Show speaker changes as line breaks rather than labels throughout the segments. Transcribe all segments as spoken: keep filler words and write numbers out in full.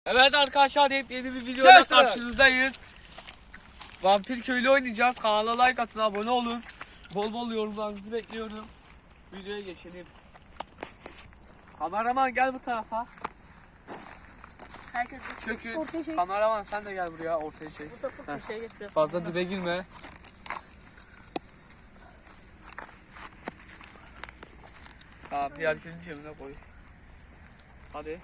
Evet arkadaşlar, hep yeni bir videoda
Kes
karşınızdayız. Vampir köylü oynayacağız. Kanala like atın, abone olun. Bol bol yorumlarınızı bekliyorum. Videoya geçelim. Kameraman gel bu tarafa.
Herkes
Çökün.
ortaya şey.
Kameraman sen de gel buraya, ortaya çek.
Bu sefer bir şey getiriyor.
Fazla dibe girme. Tamam, diğer kilini cebine koy. Hadi.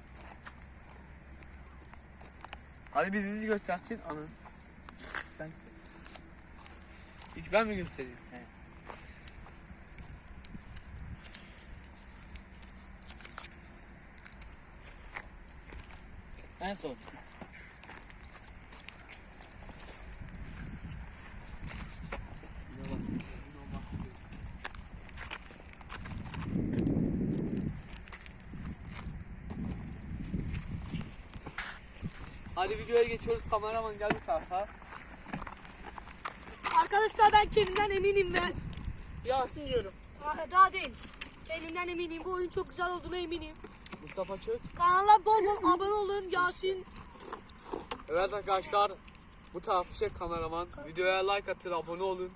Hadi birinizi göstersin anı. Sen. İlk ben mi göstereyim? He.
En son.
Hadi videoya geçiyoruz. Kameraman gel bu tarafa.
Arkadaşlar ben kendimden eminim ve
Yasin diyorum.
Aa, daha değil. Kendimden eminim. Bu oyun çok güzel olduğuna eminim.
Mustafa Çök.
Kanala bol bol abone olun. Yasin.
Evet arkadaşlar, bu tarafı çek kameraman. Videoya like atın, abone olun.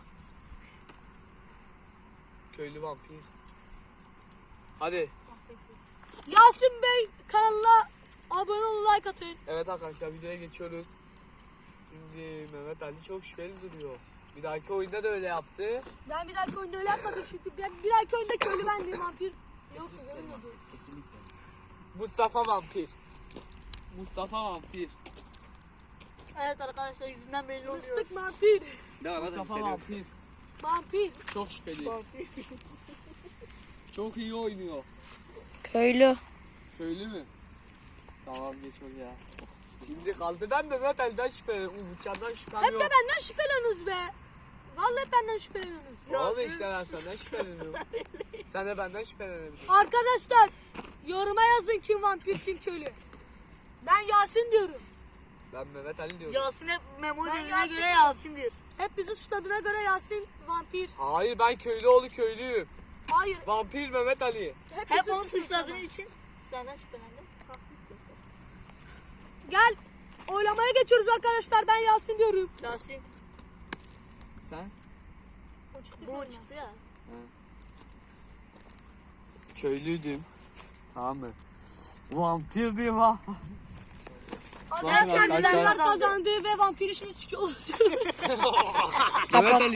Köylü vampir. Hadi.
Yasin Bey kanalına abone olun, like atın.
Evet arkadaşlar, videoya geçiyoruz. Şimdi Mehmet Ali çok şüpheli duruyor. Bir dahaki oyunda da öyle yaptı.
Ben bir dahaki oyunda öyle yapmadım çünkü ben bir dahaki oyunda köylü bendim, vampir yok mu görünmüyordu.
Mustafa vampir. Mustafa vampir.
Evet arkadaşlar yüzünden belli oluyor.
Fıstık vampir.
Mustafa vampir.
Vampir.
Çok şüpheli. Çok iyi oynuyor.
Köylü.
Köylü mü? Tamam, geç oraya. Şimdi kaldı ben Mehmet Ali'den şüpheleniyorum. Umutcan'dan şüphem
Hep
yok.
de benden şüpheleniyorsunuz be. Vallahi hep benden şüpheleniyorsunuz.
Oğlum işte ben senden şüpheleniyorum. Sen de benden şüphelenebilirsin.
Arkadaşlar yoruma yazın kim vampir kim köylü. Ben Yasin diyorum.
Ben Mehmet Ali diyorum.
Yasin hep Memo
Ben
dediğine
Yasin
göre
diyorum.
Yasin'dir.
Hep bizi suçladığına göre Yasin vampir.
Hayır, ben köylüoğlu köylüyüm.
Hayır.
Vampir Mehmet Ali.
Hep,
Hep
bizi
onu
suçladığın
suçladığın için senden şüphelendim.
Gel. Oylamaya geçiyoruz arkadaşlar. Ben Yasin diyorum.
Yasin.
Sen?
O çıktı
Bu
görmem.
çıktı ya.
Köylüydüm. Tamam mı? Vampirdim ha.
Arkadaşlar
arkadaşlar.
bilenler kazandı ve vampir işini sikiyoruz.
Mehmet Ali.